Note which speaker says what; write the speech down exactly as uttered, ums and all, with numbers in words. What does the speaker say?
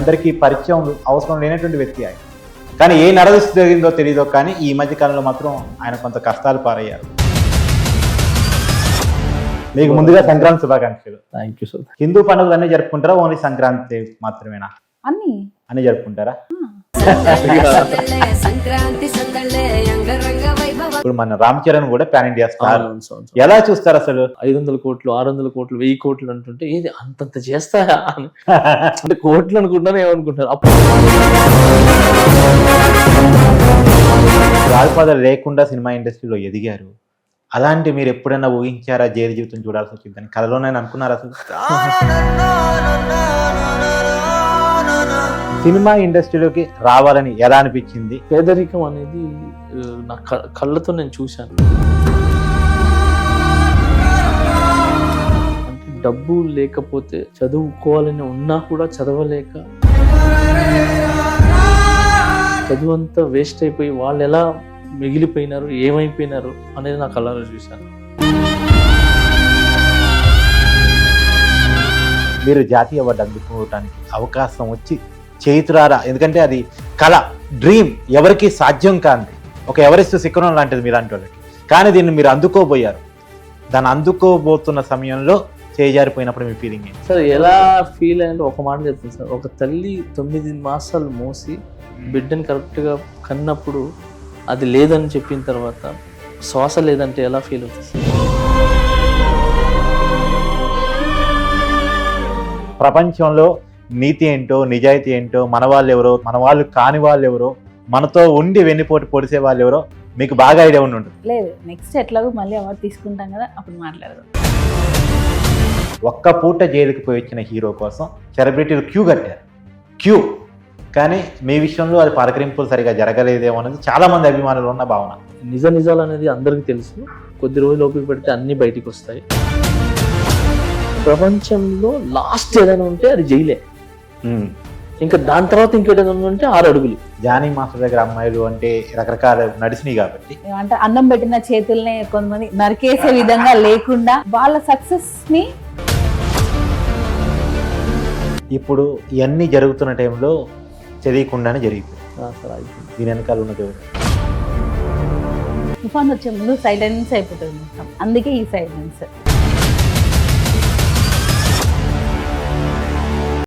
Speaker 1: అందరికీ పరిచయం అవసరం లేనటువంటి వ్యక్తి ఆయన. కానీ ఏ నరదృష్టి జరిగిందో తెలియదో కానీ ఈ మధ్య కాలంలో మాత్రం ఆయన కొంత కష్టాలు పారయ్యారు. మీకు ముందుగా సంక్రాంతి శుభాకాంక్షలు.
Speaker 2: Thank you sir.
Speaker 1: హిందూ పండుగలు అన్నీ జరుపుకుంటారా, ఓన్లీ సంక్రాంతి మాత్రమేనా?
Speaker 3: అన్ని
Speaker 1: అన్ని జరుపుకుంటారా? ఇప్పుడు మన రామ్ చరణ్ కూడా పాన్ ఇండియా స్టార్. ఎలా చూస్తారు అసలు?
Speaker 2: ఐదు వందల కోట్లు ఆరు వందల కోట్లు వెయ్యి కోట్లు అంటుంటే ఏది అంతంత చేస్తాయా అని అంటే కోట్లు అనుకుంటారు ఏమనుకుంటారు. అప్పుడు
Speaker 1: రాజపాదాలు లేకుండా సినిమా ఇండస్ట్రీలో ఎదిగారు. అలాంటి మీరు ఎప్పుడైనా ఊహించారా జైలు జీవితం చూడాల్సి వచ్చిందని? కథలోనే అనుకున్నారా అసలు? సినిమా ఇండస్ట్రీలోకి రావాలని ఎలా అనిపించింది?
Speaker 2: పేదరికం అనేది నా కళ్ళతో నేను చూశాను. అంటే డబ్బు లేకపోతే చదువుకోవాలని ఉన్నా కూడా చదవలేక చదువు అంతా వేస్ట్ అయిపోయి వాళ్ళు ఎలా మిగిలిపోయినారు, ఏమైపోయినారు అనేది నా కళ్ళలో చూశాను.
Speaker 1: మీరు జాతీయ అవార్డు అందుకోవడానికి అవకాశం వచ్చి చేతురారా, ఎందుకంటే అది కళ, డ్రీమ్, ఎవరికి సాధ్యం కాంది, ఒక ఎవరెస్ట్ శిఖరం లాంటిది మీలాంటి వాళ్ళకి. కానీ దీన్ని మీరు అందుకోబోయారు. దాన్ని అందుకోబోతున్న సమయంలో చేజారిపోయినప్పుడు మీ ఫీలింగ్ ఏంటి
Speaker 2: సార్? ఎలా ఫీల్ అయ్యంటే ఒక మాట చెప్తాను సార్. ఒక తల్లి తొమ్మిది మాసాలు మోసి బిడ్డని కరెక్ట్గా కన్నప్పుడు అది లేదని చెప్పిన తర్వాత శ్వాస లేదంటే ఎలా ఫీల్ అవుతుంది సార్?
Speaker 1: ప్రపంచంలో నీతి ఏంటో, నిజాయితీ ఏంటో, మన వాళ్ళు ఎవరో, మన వాళ్ళు కాని వాళ్ళు ఎవరో, మనతో ఉండి వెన్నుపోటు పొడిసే వాళ్ళు ఎవరో మీకు బాగా ఐడియా ఉండి ఉంటుంది.
Speaker 3: లేదు, నెక్స్ట్ ఎట్లాగో మళ్ళీ అవార్డు తీసుకుంటాం కదా, అప్పుడు మాట్లాడదాం.
Speaker 1: ఒక్క పూట జైలుకి పోయి వచ్చిన హీరో కోసం సెలబ్రిటీలు క్యూ కట్టారు, క్యూ. కానీ మీ విషయంలో అది పలకరింపులు సరిగా జరగలేదేమో అనేది చాలా మంది అభిమానులు ఉన్న భావన.
Speaker 2: నిజ నిజాలు అనేది అందరికీ తెలుసు. కొద్ది రోజులు ఓపిక పెడితే అన్ని బయటికి వస్తాయి. ప్రపంచంలో లాస్ట్ ఏదైనా ఉంటే అది జైలే. ఇంకా దాని తర్వాత ఇంకేదైనా ఉందంటే ఆరు అడుగులు.
Speaker 1: జానీ మాస్టర్ దగ్గర అమ్మాయిలు అంటే రకరకాల నడిచినాయి కాబట్టి,
Speaker 3: అంటే అన్నం పెట్టిన చేతుల్ని కొంతమంది నరికేసే విధంగా లేకుండా వాళ్ళ సక్సెస్ ని
Speaker 1: ఇప్పుడు ఇవన్నీ జరుగుతున్న టైంలో తెలియకుండానే జరిగిపోయింది. దీని వెనకాల ఉన్నది
Speaker 3: తుఫాన్ వచ్చే ముందు సైలెన్స్ అయిపోతుంది మొత్తం. అందుకే ఈ సైలెన్స్.